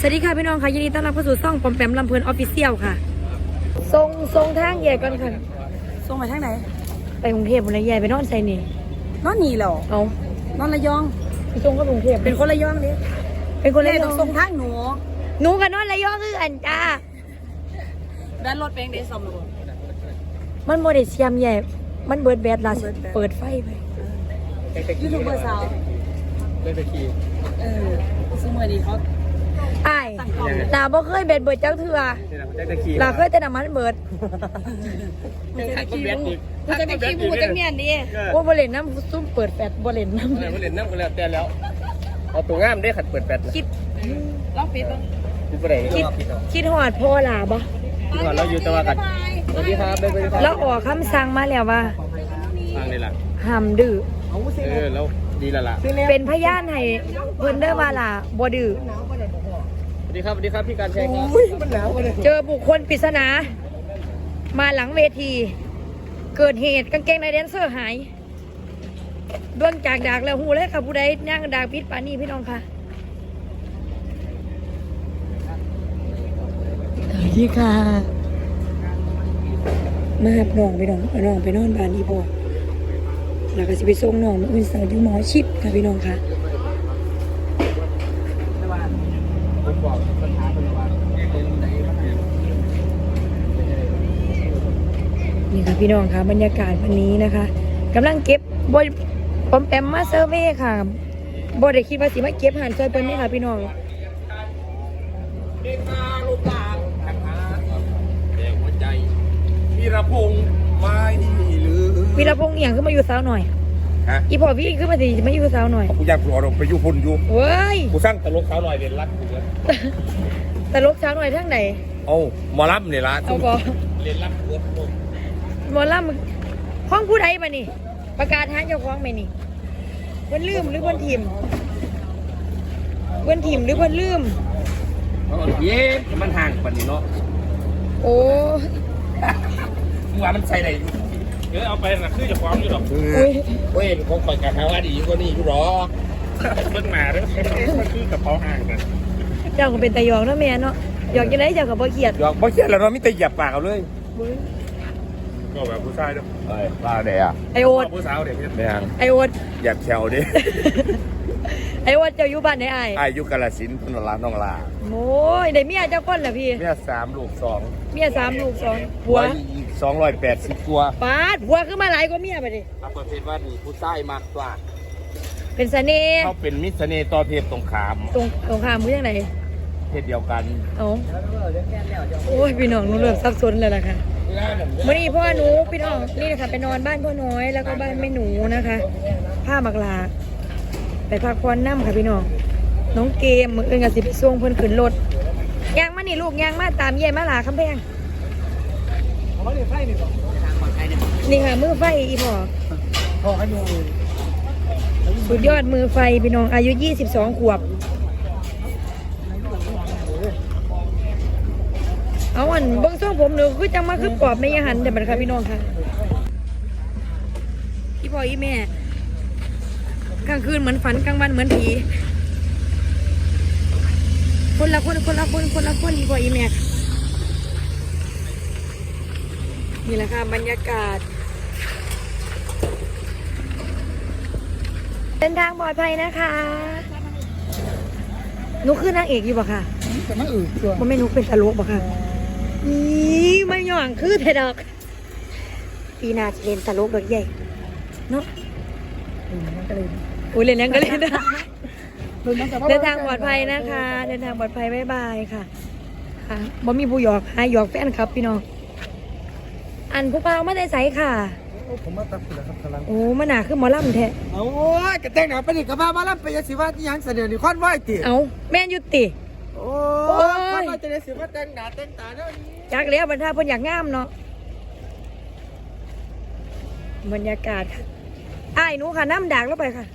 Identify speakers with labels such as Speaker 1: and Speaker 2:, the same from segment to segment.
Speaker 1: วัสดีค่ะพี่น้องค่ะยินดีต้อนรับเข้าสู่ช่องปอมแปมลำเพลินออฟฟิเชียลค่ะทรงทางแย่ก่อนค่ะทรงไปทางไหนไปกรุงเทพฯเลยแย่ไปนอนไซนี่นอนนี่เหรอเอานอนระยองไปทรงก็กรุงเทพเป็นคนระยองเนี่ยเป็นคนระยองทรงทางหนูกับนอนระยองคืออันจ้าด้านรถเป็นเดซอมหรือมันโมเดลเซียมแย่มันเบิร์ดแบดล่ะเปิดไฟไปยูทูบเบอร์สาว
Speaker 2: เล่นไปขี่
Speaker 1: ซึ่งเมื่อนี้เขาอ้ายลาบ่เคยเบิดจักเถื่อลาเคยแต่น้ำมันเบิดกูจะขี่กูจะเมียนดิว่าบ่เล่นน้ำซุ่มเปิดแฟดบ่เล่นน้ำ
Speaker 2: บ่เล่นน้ำก็แล้วแต่แล้วเอาตัวงามได้ขัดเปิดแฟด
Speaker 1: คิดล็อกปิด
Speaker 2: คิดบ่ได้
Speaker 1: คิดหอดพ่อลาบ่
Speaker 2: คิดหอดเราอยู่ตะวันกันสวัสดีครับได้ไปครับ
Speaker 1: แล้วออกคำสั่งมาแล้วว่า
Speaker 2: ฟังเลยล่ะ
Speaker 1: ห้ามดื้อ
Speaker 2: แล้วดีละล่ะ
Speaker 1: เป็นพยานให้เพิ่นเด้อว่าล่ะบ่ดื้อ
Speaker 2: สวัสดีครับพี่การแชร์ครับ
Speaker 1: เจอบุคคลปริศนามาหลังเวทีเกิดเหตุกางเกงในแดนเซอร์หายดวงจากดากแล้วหูเลยค่ะผู้ใดย่างดากพิษปานี่พี่น้องค่ะสวัสดีค่ะมาหับน้องไปน้องเอาน้องไปนอนบ้านอีพ่อแล้วก็จะไปส่งน้องอื่นสาวอยู่หมอชิดค่ะพี่น้องค่ะนี่ค่ะพี่น้องค่ะบรรยากาศวันนี้นะคะกำลังเก็บบอยปอมแปมมาเซอร์เว่ค่ะบอยได้คิดว่าสิมาเก็บหันซอยเปิ้ลนี่ค่ะพี่น้อง
Speaker 2: เด็กมาลูกหลานทางหาแดงหัวใจวีรพงษ์ไม่ลืม
Speaker 1: วีรพงษ์อย่างขึ้นมาอยู่สาวหน่อยอีพอพี่ขึ้นมาสิมาอยู่สาวหน่อย
Speaker 2: กูอยากกูออกไปอยู่พุ่นอยู่
Speaker 1: เว้ย
Speaker 2: กูสร้างตลกสาวหน่อยเรียนรักกูเลย
Speaker 1: ตลกสาวหน่อยทั้งไหน
Speaker 2: เอาหมอลำเนี่ยละ
Speaker 1: เอาบอ
Speaker 2: เรียนรักกู
Speaker 1: หมอลำห้องผู้ใดมานี่ประกาศหาเจ้าของไหมนี่เพิ่นลืมหรือเพิ่นถิ่มหรือเพิ่นลืม
Speaker 2: เย้มันห่างกว่านี้เนาะ
Speaker 1: โอ้
Speaker 2: มึงว่ามันใส่ไหนเอาไปนะคือจะฟ้องอยู่หรอกเว้ยคงปล่อยกันว่าดีกว่านี้อยู่หรอเพิ่งมาแล้วมันคือกับเขาห่างกัน
Speaker 1: เจ้าก็เป็นตะยองเนาะแม่เนาะหยอกยังไงเจ้ากับบ่เขียด
Speaker 2: หยอกบ่เขียดแล้วเราไม่แต่หยับปากเอาเลยก็แบบผู้ชายด้วยปลาเดีย
Speaker 1: ไอโอ๊ต
Speaker 2: ผู้สาวเด็กเนี่ย
Speaker 1: ไอโอ๊ต
Speaker 2: หยับแขวดิ
Speaker 1: ไอโอ๊ตเจ้าอยู่บ้านไหนไอ
Speaker 2: อายุกาลสินธุ์พนลาน้องลา
Speaker 1: โอ้ยได้เมียเจ้าก้นเหรอพี่
Speaker 2: เมีย3 ลูก 2
Speaker 1: เมีย3 ลูก 2ผัว
Speaker 2: อีก280ตัว
Speaker 1: ปาดผัวขึ้นมาหลายกว่าเมียไปดิ
Speaker 2: ประเภทว่านี่ผู้ชายมากกว่า
Speaker 1: เป็นเสน่ห์
Speaker 2: เขาเป็นมิตรเสน่ห์ต่อเพศตรงข้าม
Speaker 1: มือยังไง
Speaker 2: เพศเดียวกัน
Speaker 1: โอ้ยพี่น้องหนูเริ่มซับซ้อนเลยล่ะค่ะเมื่อนี้พ่อหนูพี่น้องนี่นะคะไปนอนบ้านพ่อน้อยแล้วก็บ้านแม่หนูนะคะผ้าหมักลาไปพักผ่อนน้ำค่ะพี่น้องน้องเกมมืออื่นกับสิไปส่งเพิ่นขึ้นรถยางมานี่ลูกยางมาตามเย่มาหลาคำแพงนี่ค่ะมือไฟอีพ่อสุดยอดมือไฟพี่น้องอายุ22 ขวบเอาอันเบิ้งช่วงผมหนูคือจังมาคือปอบไม่ยหันเดี๋ยวมันค่ะพี่น้องค่ะพี่พ่ออีแม่กลางคืนเหมือนฝันกลางวันเหมือนผีคนละคนพี่พ่ออีแม่นี่แหละค่ะบรรยากาศเดินทางปลอดภัยนะคะหนูคือนางเอกอยู่ป่ะค่ะ
Speaker 2: แต่ไม่อื่นตัว
Speaker 1: มันไม่นุกเป็นตลกป่ะค่ะไม่หย่อนคือเทดอกปีนาจะเล่นตลกดอกใหญ่เนาะอุ้ยเล่นยังก็เล่นเดินทางปลอดภัยนะคะเดินทางปลอดภัยบ๊ายบายค่ะค่ะบ่มีผู้หยอกหยอกแฟนครับพี่น้องอันผู้เปล่าไม่ได้ใส่ค่ะ
Speaker 2: ผมมาตัดเลยครับกำลัง
Speaker 1: โอ้มันหนาคือหมอลำแท้
Speaker 2: โอ้ยกระแตงหนาไปดิกระบ้ามาลำไปยาสีว่าที่ยังเสนอนี่ควันไหวติ
Speaker 1: เอาแม่ยุติ
Speaker 2: โอ้ยควันไหวจะได้สีว่าแตงหนาแตงตาเนี่ย
Speaker 1: จักแล้วบรรดาเพิ่นอยากงามเนาะบรรยากาศค่ะอ้ายหนูค่ะน้ำด่างแล้วไปค่ะ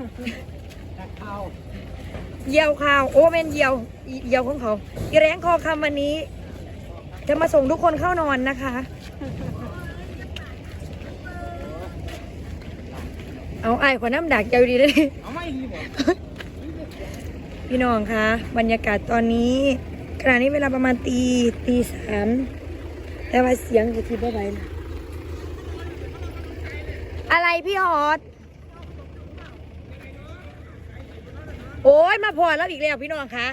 Speaker 1: เยี่ยวข่าวโอ้แม่นเยี่ยวของเขาอีแรงคอคำวันนี้จะมาส่งทุกคนเข้านอนนะคะเอาไอ้ขวน้ำดักเจ้าดีเลยพี่น้องคะบรรยากาศตอนนี้ขณะนี้เวลาประมาณตีสามแต่ว่าเสียงจะทีบ่ไหวนะอะไรพี่ฮอตโอ้ยมาพอแล้วอีกแล้วพี่น้องคะ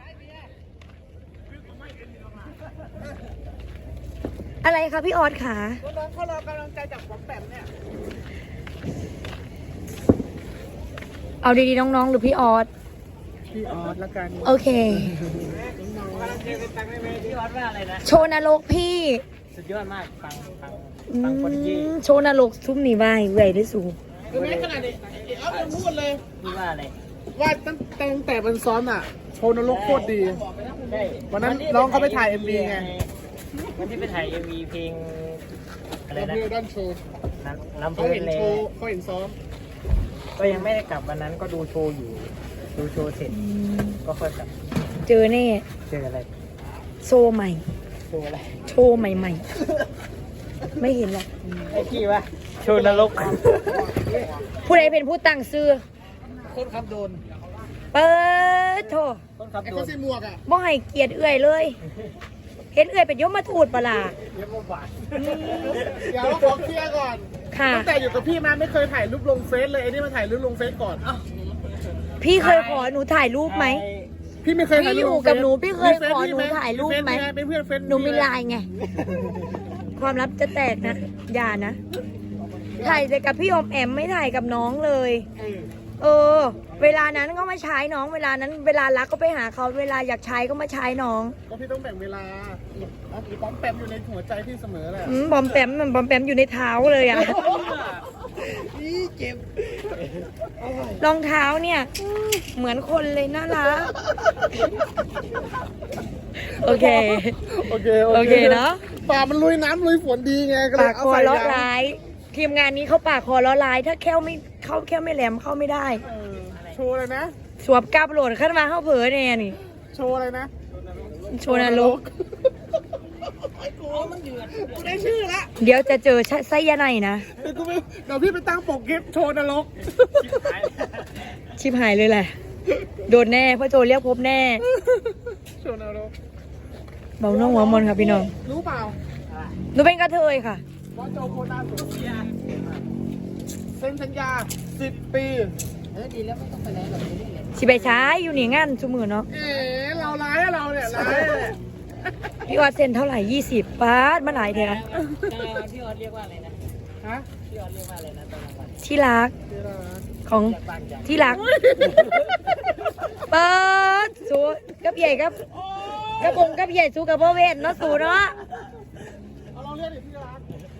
Speaker 1: อะไรคะพี่ออสค่ะน้องเขารอกำลังใจจากผมแบบเนี่ยเอาดีๆน้องๆหรือพี่ออส
Speaker 3: พี่ออสละกัน
Speaker 1: โอเค
Speaker 3: น้องกำลังเจอเป็นตังค์ได้ไหมพี่ออสว่าอะไรนะ
Speaker 1: โชว์นรกพี่
Speaker 3: สุดยอดมากฟังคนยี่
Speaker 1: โชว์นรกทุ่มหนีไว้เอื่อยได้สูง
Speaker 3: คือแม้ขนาดนี้ออสยังพูดเลยพี่ว่าอะไรว่าตั้งแต่มันซ้อมอ่ะโชว์นรกโคตรดีวันนั้นน้องเขาไปถ่าย MV ไงวันที่ไปถ่าย MV เพลงอะไรนะด้านโชว์ลำเพลินเลยเขาเห็นซ้อมก็ยังไม่ได้กลับวันนั้นก็ดูโชว์อยู่ดูโชว์เสร็จก็ค่อยกลับ
Speaker 1: เจอแน่
Speaker 3: เจออะไร
Speaker 1: โชว์ใหม่
Speaker 3: โชว์อะไร
Speaker 1: โชว์ใหม่ๆไม่เห็นหรอก
Speaker 3: ไอ้กี้วะโชว์นรก
Speaker 1: ผู้ใดเป็นผู้ตั้งชื่อ
Speaker 3: คนขับโดน
Speaker 1: เปิดโถ
Speaker 3: คนขับโดนใส่หมวกอ่ะ
Speaker 1: บ่ให้เกียรติเอื่อยเลยเห็นเอื่อยเป็นยมมาทูดปะล่ะ
Speaker 3: ยมมาบาดเดี๋ยวขอเคลียร์ก่อนตั้งแต่อยู่กับพี่มาไม่เคยถ่ายรูปลงเฟซเลยไอ้นี่มาถ่ายรูปลงเฟซก่อน
Speaker 1: พี่เคยขอหนูถ่ายรูปไหม
Speaker 3: พี่ไม่เคยถ่ายรูป
Speaker 1: กับหนูพี่เคยขอหนูถ่ายรูปไหม
Speaker 3: เป็นเพื่อนเฟซ
Speaker 1: หนูมีไลน์ไงความลับจะแตกนะอย่านะถ่ายแต่กับพี่อมแอมไม่ถ่ายกับน้องเลยเวลานั้นก็มาใช้น้องเวลานั้นเวลารักก็ไปหาเขาเวลาอยากใช้ก็มาใช้น้อง
Speaker 3: ก็พี่ต้องแบ่งเวลาบอมแปมอยู่ในหัวใจพี่เสมอแหละ
Speaker 1: บอมแปมอยู่ในเท้าเลยอ่ะ
Speaker 3: นี่เจ็บ
Speaker 1: รองเท้าเนี่ยเหมือนคนเลยน่ารักโอเคเนาะ
Speaker 3: ป่ามันลุยน้ำลุยฝนดีไง
Speaker 1: ปากคอล้อร้ายทีมงานนี้เขาปากคอล้อร้ายถ้าแค่ไม่แหลมเข้าไม่ได้
Speaker 3: โชว์อะไรนะ
Speaker 1: สวบกาบโหลดขึ้นมาเข้าเผลอแน่นี่
Speaker 3: โชว์อะไรนะ
Speaker 1: โชว์นรก
Speaker 3: กูได้ชื่อละ
Speaker 1: เดี๋ยวจะเจอไส้ยาในนะ
Speaker 3: เดี๋ยวพี่ไปตั้งปกเก็บโชว์นรก
Speaker 1: ชิบหายเลยแหละโดนแน่พ่อโจเรียกพบแน่
Speaker 3: โชว์นรก
Speaker 1: เบาน้องหัวมนค่ะพี่น้อง
Speaker 3: รู้เปล่า
Speaker 1: หนูเป็นกระเทยค่ะ
Speaker 3: พ่อโจโคนาสุเซียเซ็นสัญญา10 ปีดีแล้วไม่ต้องไปไหนหรอก
Speaker 1: สิไปใช้อยู่นี่งานชั่วมือเนาะ
Speaker 3: เราร้ายเราเนี่ยร้าย
Speaker 1: พี่ออดเซ็นเท่าไหร่20 บาทมาหลายเท่า
Speaker 3: พี่ออดเรียกว่าอะไรนะฮะพี่ออดเรียกว่าอะไรนะตอนนั้น
Speaker 1: ที่รักของที่รักเปิดสู้กับใหญ่กับใหญ่สู้กับพ่อเวทเนาะสู้เนาะ
Speaker 3: เราเรียกที่รัก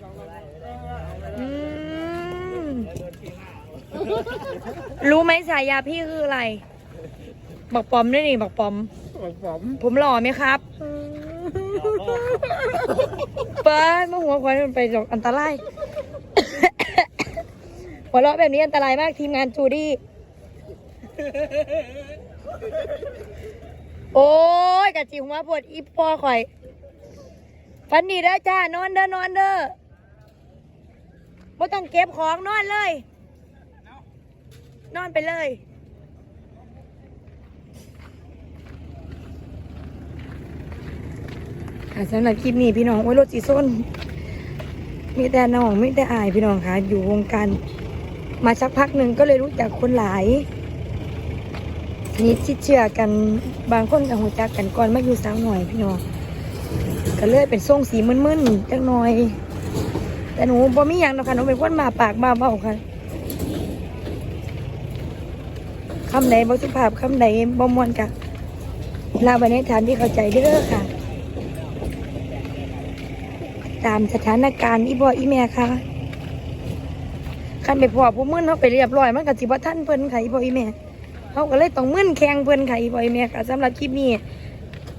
Speaker 1: รู้ไหมฉายาพี่คืออะไรบักปอมด้วยนี่บักปอมผมหล่อไหมครับเปิดมาหัวควันมันไปหลอกอันตรายหัวเราะแบบนี้อันตรายมากทีมงานจูดี้โอ้ยกะจิ๋วมาปวดอีปอข่อยฟันดีเด้อจ้านอนเด้อไม่ต้องเก็บของนอนเลยนอนไปเลยสำหรับคลิปนี้พี่น้องโอ้ยรถจีส้นมีแต่น้องมีแต่อายพี่น้องค่ะอยู่วงการมาสักพักหนึ่งก็เลยรู้จักคนหลายนี่ชิดเชื่อกันบางคนกับหัวจักกันก่อนมาอยู่สาวหน่อยพี่น้องก็เลยเป็นทรงสีมึนๆจังหน่อยแต่หนูบ่มีอย่างนะคะหนูเป็นคนมาปากมาเบาค่ะคำไหนบ่สุภาพคำไหนบ่มวนกะลาไปในฐานที่เข้าใจเด้อค่ะตามสถานการณ์อีพ่ออีแม่ค่ะคันไปพ่อผู้มึนเขาไปเรียบร้อยมันกับจิบท่านเพิ่นค่ะอีพ่ออีแม่เขาก็เลยต้องมึนแข่งเพิ่นค่ะอีพ่ออีแม่ค่ะสำหรับคลิปนี้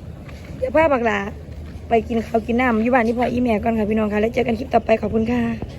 Speaker 1: เดี๋ยวพาบักหลาไปกินข้าวกินน้ำอยู่บ้านอีพ่ออีแม่ก่อนค่ะพี่น้องค่ะแล้วเจอกันคลิปต่อไปขอบคุณค่ะ